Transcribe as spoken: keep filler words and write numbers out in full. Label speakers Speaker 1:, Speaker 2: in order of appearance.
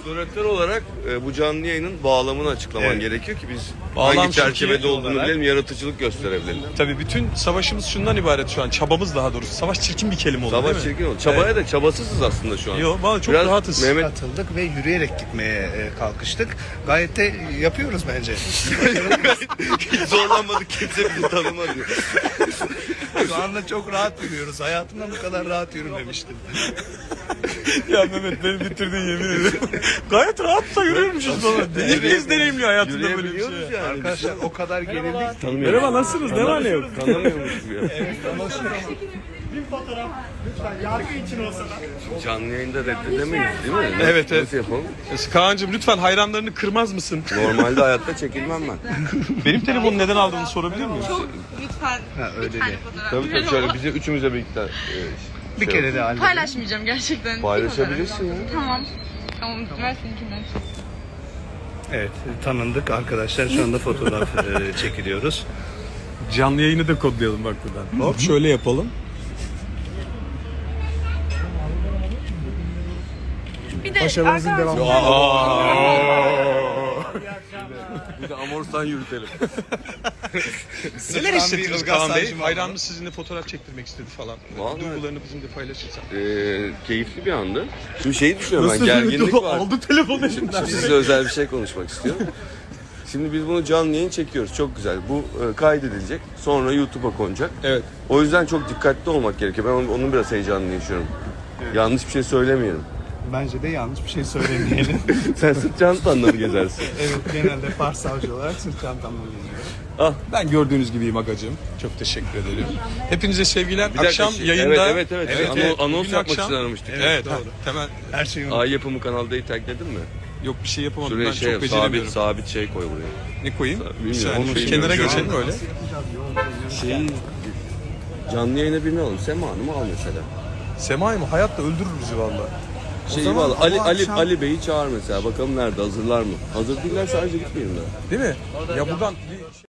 Speaker 1: Moderatör olarak e, bu canlı yayının bağlamını açıklaman
Speaker 2: Evet.
Speaker 1: gerekiyor ki biz
Speaker 2: Bağlam
Speaker 1: hangi çerçevede
Speaker 2: Türkiye
Speaker 1: olduğunu
Speaker 2: olarak-
Speaker 1: bilelim, yaratıcılık gösterebilelim.
Speaker 2: Tabii bütün savaşımız şundan ibaret şu an. Çabamız daha doğrusu. Savaş çirkin bir kelime oldu
Speaker 1: Savaş
Speaker 2: değil mi?
Speaker 1: çirkin oldu. Çabaya da çabasızız aslında şu an.
Speaker 2: Yok, vallahi çok
Speaker 1: Biraz
Speaker 2: rahatız.
Speaker 1: Mehmet
Speaker 3: Atıldık ve yürüyerek gitmeye e, kalkıştık. Gayet de yapıyoruz bence.
Speaker 1: hiç zorlanmadık, kimse bizi tanımadı.
Speaker 3: Şu anda çok rahat yürüyoruz. Hayatımda bu kadar rahat yürümemiştim.
Speaker 2: Ya Mehmet beni bitirdin yemin ederim. Gayet rahat da yürüyormuşuz baba. İlk kez deneyimliyor hayatında böyle bir şey.
Speaker 1: Yürüyebiliyoruz yani.
Speaker 3: Arkadaşlar o kadar gerildik.
Speaker 1: Tanımıyoruz.
Speaker 2: Merhaba, nasılsınız? Ne var ne yok?
Speaker 1: Tanımıyormuşuz ya.
Speaker 4: Bir fotoğraf lütfen yargı için olsa da.
Speaker 1: Canlı yayında reddedemeyiz değil mi?
Speaker 2: Evet, evet.
Speaker 1: Nasıl yapalım?
Speaker 2: Kaan'cığım lütfen hayranlarını kırmaz mısın?
Speaker 1: Normalde hayatta çekilmem ben.
Speaker 2: Benim telefonu neden aldığını sorabilir miyim?
Speaker 5: Çok lütfen
Speaker 3: Ha, öyle
Speaker 5: bir tane
Speaker 3: de.
Speaker 5: fotoğraf.
Speaker 1: Tabii tabii şöyle bize üçümüze birlikte e,
Speaker 3: Bir
Speaker 1: şey
Speaker 3: kere de halledelim.
Speaker 5: Paylaşmayacağım gerçekten.
Speaker 1: Paylaşabilirsin ya.
Speaker 5: Tamam. Tamam, ver seninkinden.
Speaker 3: Evet, tanındık arkadaşlar. Şu anda fotoğraf e, çekiliyoruz.
Speaker 2: Canlı yayını da kodlayalım bak buradan. Hop şöyle yapalım.
Speaker 5: Bir de arkadaşlar
Speaker 1: Bir de Amors'tan yürütelim.
Speaker 2: Neler
Speaker 3: bir
Speaker 2: hissettiniz
Speaker 3: Ilgaz
Speaker 2: Kaan Bey?
Speaker 3: Savcı mı
Speaker 2: Hayranımız sizinle fotoğraf çektirmek istedi falan.
Speaker 1: Vallahi-
Speaker 2: Duygularını bizimle paylaşırsan.
Speaker 1: Ee, keyifli bir andı. Şimdi şeyi düşünüyorum ben, gerginlik var.
Speaker 2: Aldı telefonu elimden.
Speaker 1: Size özel bir şey konuşmak istiyorum. Şimdi biz bunu canlı yayın çekiyoruz. Çok güzel. Bu e, kaydedilecek. Sonra YouTube'a konacak.
Speaker 2: Evet.
Speaker 1: O yüzden çok dikkatli olmak gerekiyor. Ben onun, onun biraz heyecanını yaşıyorum. Yanlış bir şey söylemeyelim.
Speaker 3: Bence de yanlış bir şey söylemeyelim.
Speaker 1: Sen sırt çantanla mı gezersin?
Speaker 3: Evet, genelde Fars savcı olarak sırt çantamla geziyorum.
Speaker 1: Ah.
Speaker 2: Ben gördüğünüz gibiyim agacığım. Çok teşekkür ederim. Hepinize sevgiler.
Speaker 1: Bir dakika,
Speaker 2: Akşam
Speaker 1: şey-
Speaker 2: yayında.
Speaker 1: Evet evet evet. Ano- anons
Speaker 2: Bugün
Speaker 1: yapmak
Speaker 2: akşam-
Speaker 1: için aramıştık.
Speaker 2: Evet,
Speaker 3: doğru.
Speaker 2: doğru. Temel
Speaker 3: Her şeyi
Speaker 1: Ay yapımı kanaldayı tagledin mi?
Speaker 2: yok bir şey yapamadım.
Speaker 1: Şuraya
Speaker 2: ben
Speaker 1: şey
Speaker 2: çok
Speaker 1: yap, sabit,
Speaker 2: beceremiyorum.
Speaker 1: sabit şey koy buraya.
Speaker 2: Ne koyayım? Bir
Speaker 1: Bilmiyorum,
Speaker 2: saniye.
Speaker 1: onu
Speaker 2: Şöyle
Speaker 1: bilmiyorum.
Speaker 2: kenara
Speaker 1: Şu an-
Speaker 2: geçelim öyle.
Speaker 1: Şeyi canlı yayına birini alalım. Sema Hanım'ı al mesela.
Speaker 2: Sema'yı mı? Hayatta öldürür bizi valla.
Speaker 1: Şeyi
Speaker 3: zaman
Speaker 1: al. Ali
Speaker 3: ama
Speaker 1: Ali
Speaker 3: akşam-
Speaker 1: Ali Bey'i çağır mesela. Bakalım nerede? Hazırlar mı? Hazır değiller sadece gitmeyelim daha.
Speaker 2: Değil mi? Ya buradan bir